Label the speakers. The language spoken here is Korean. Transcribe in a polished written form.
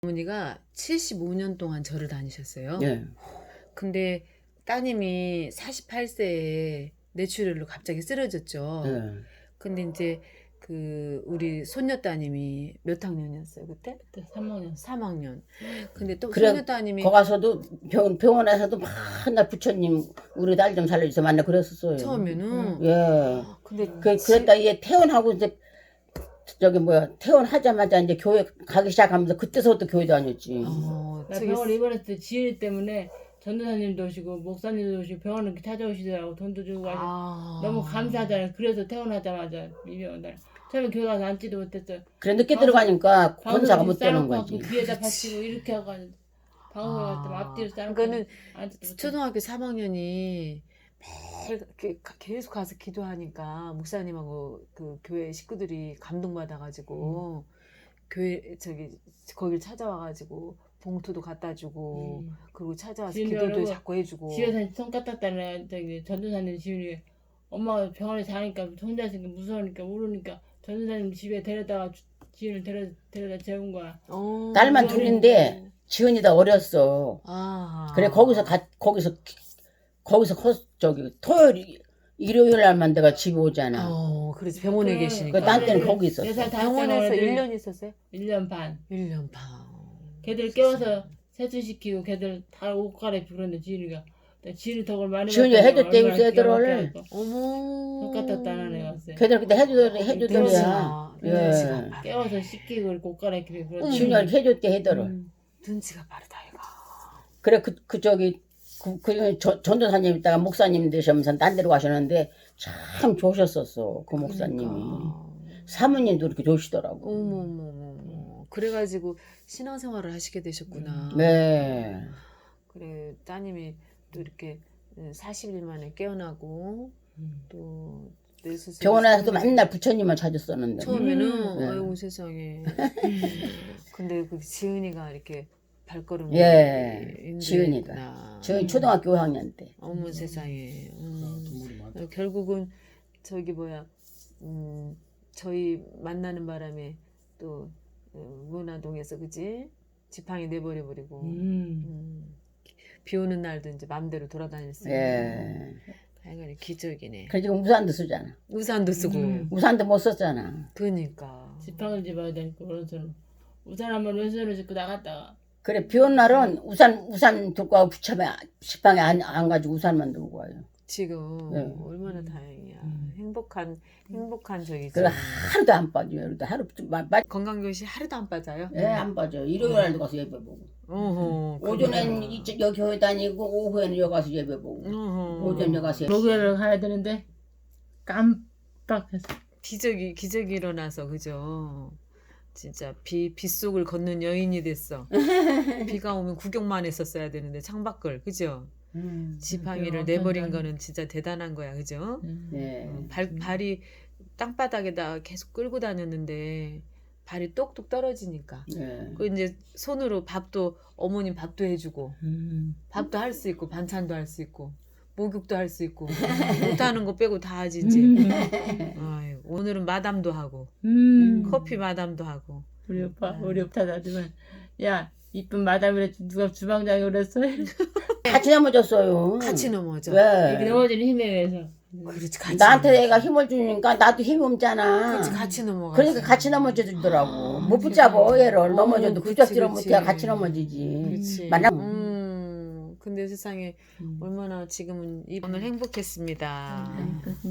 Speaker 1: 어머니가 75년 동안 절을 다니셨어요.
Speaker 2: 예.
Speaker 1: 근데 따님이 48세에 뇌출혈로 갑자기 쓰러졌죠.
Speaker 2: 예.
Speaker 1: 근데 이제 그 우리 손녀 따님이 몇 학년이었어요 그때?
Speaker 3: 그때 3학년.
Speaker 1: 3학년. 근데 또
Speaker 2: 그래,
Speaker 1: 손녀 따님이
Speaker 2: 거 가서도 병원에서도 맨날 부처님 우리 딸 좀 살려주세요 만나 그랬었어요.
Speaker 1: 처음에는
Speaker 2: 예.
Speaker 1: 근데
Speaker 2: 그랬다 얘 퇴원하고 이제 저기 뭐야 퇴원하자마자 이제 교회 가기 시작하면서 그때서부터 교회 다녔지.
Speaker 3: 나 병원 입원했을 때 지일 때문에 전도사님도 오시고 목사님도 오시고 병원을 이렇게 찾아오시더라고. 돈도 주고 하시고 너무 감사하잖아요. 그래서 퇴원하자마자 입원. 처음에 교회 가서 앉지도 못했어요.
Speaker 2: 그래 늦게 들어가니까 권사가 못 되는
Speaker 3: 싸놓고
Speaker 2: 거지.
Speaker 3: 뒤에다 받치고 이렇게 하고 방송을 갈 때 앞뒤로 싸놓고
Speaker 1: 그거는
Speaker 3: 앉지도 못했어요.
Speaker 1: 초등학교 3학년이 매일 계속 가서 기도하니까 목사님하고 그 교회 식구들이 감동받아가지고 교회 거길 찾아와가지고 봉투도 갖다 주고 그리고 찾아와서 기도도 자꾸 해주고
Speaker 3: 집에서 손 까딱다는 전도사님 집이 엄마가 병원에 자니까 혼자 있으니까 무서우니까 울으니까 전도사님 집에 데려다가 지은을 데려다 재운 거야.
Speaker 2: 딸만 둘인데 지은이다 어렸어. 그래 거기서 저기 토요일 일요일 날만 내가 집에 오잖아.
Speaker 1: 그래서 병원에 계시니까.
Speaker 2: 그 난 때는 거기 있었어.
Speaker 1: 병원에서 1년 있었어요?
Speaker 3: 1년 반.
Speaker 1: 1년 반.
Speaker 3: 걔들 깨워서 세수시키고 걔들 다 옷 갈아입히고 그러는데 지은이가 지은이 덕을 많이
Speaker 2: 지은이가 해줬대 요새 애들을.
Speaker 1: 어머.
Speaker 3: 손 까딱다는 애 왔어요.
Speaker 2: 걔들 그때 해주더래야. 예.
Speaker 3: 깨워서 씻기고 옷 갈아입히고 그러는데
Speaker 2: 지은이가 해줬대 해더를.
Speaker 1: 눈치가 빠르다 얘가.
Speaker 2: 그래 전도사님 있다가 목사님 되시면서 딴 데로 가셨는데 참 좋으셨었어 그 목사님이. 사모님도 그렇게 좋으시더라고.
Speaker 1: 어머머머. 그래가지고 신앙생활을 하시게 되셨구나.
Speaker 2: 네.
Speaker 1: 그래 따님이 또 이렇게 40일 만에 깨어나고 또
Speaker 2: 병원에서도 맨날 부처님만 찾았었는데.
Speaker 1: 처음에는
Speaker 2: 네.
Speaker 1: 아이고 세상에. 근데 그 지은이가 이렇게 발걸음이
Speaker 2: 지은이가. 지은이 초등학교 5학년 때.
Speaker 1: 어머 세상에. 결국은 저기 저희 만나는 바람에 또 문화동에서 그지 지팡이 내버려 버리고 비 오는 날도 이제 마음대로 돌아다녔어요.
Speaker 2: 예.
Speaker 1: 하여간 기적이네.
Speaker 2: 그래 지금 우산도 쓰잖아.
Speaker 1: 우산도 쓰고.
Speaker 2: 우산도 못 썼잖아.
Speaker 1: 그러니까.
Speaker 3: 지팡이를 집어야 되니까 오른손 우산 한번 왼손으로 짚고 나갔다가.
Speaker 2: 그래 비 온 날은 우산 들고 가고 지팡이 안 가지고 우산만 들고 와요.
Speaker 1: 지금 얼마나 다행이야. 행복한 저기지.
Speaker 2: 그래 하루도 안 빠져요. 하루
Speaker 1: 건강교실 하루도 안 빠져요?
Speaker 2: 예, 안 빠져. 일요일 날도 가서 예배 보고. 오전엔 여기 교회 다니고 오후에는 여기 가서 예배 보고. 오전 여기 가서
Speaker 3: 목요일에 가야 되는데 깜빡해서
Speaker 1: 기적이 일어나서 그죠. 진짜 빗속을 걷는 여인이 됐어. 비가 오면 구경만 했었어야 되는데 창밖을 그죠. 지팡이를 내버린 거는 진짜 대단한 거야 그죠.
Speaker 2: 네.
Speaker 1: 발이 땅바닥에다 계속 끌고 다녔는데 발이 똑똑 떨어지니까 그 이제 손으로 어머님 밥도 해주고 밥도 할 수 있고 반찬도 할 수 있고 목욕도 할 수 있고 못하는 거 빼고 다 하지 이제. 아이고, 오늘은 마담도 하고 커피 마담도 하고.
Speaker 3: 우리 오빠 나지만 야 이쁜 마담이래 누가 주방장이 그랬어?
Speaker 2: 같이 넘어졌어요.
Speaker 1: 같이 넘어져.
Speaker 2: 왜?
Speaker 3: 이렇게 넘어지는 힘에 의해서.
Speaker 1: 그렇지 같이.
Speaker 2: 나한테 애가 힘을 주니까 나도 힘이 없잖아.
Speaker 1: 그렇지 같이 넘어가.
Speaker 2: 그러니까 같이 넘어지더라고. 못 붙잡어 얘를. 넘어져도 부잡지를 못해야 같이 넘어지지.
Speaker 1: 그렇지. 근데 세상에 얼마나 지금은 오늘 행복했습니다.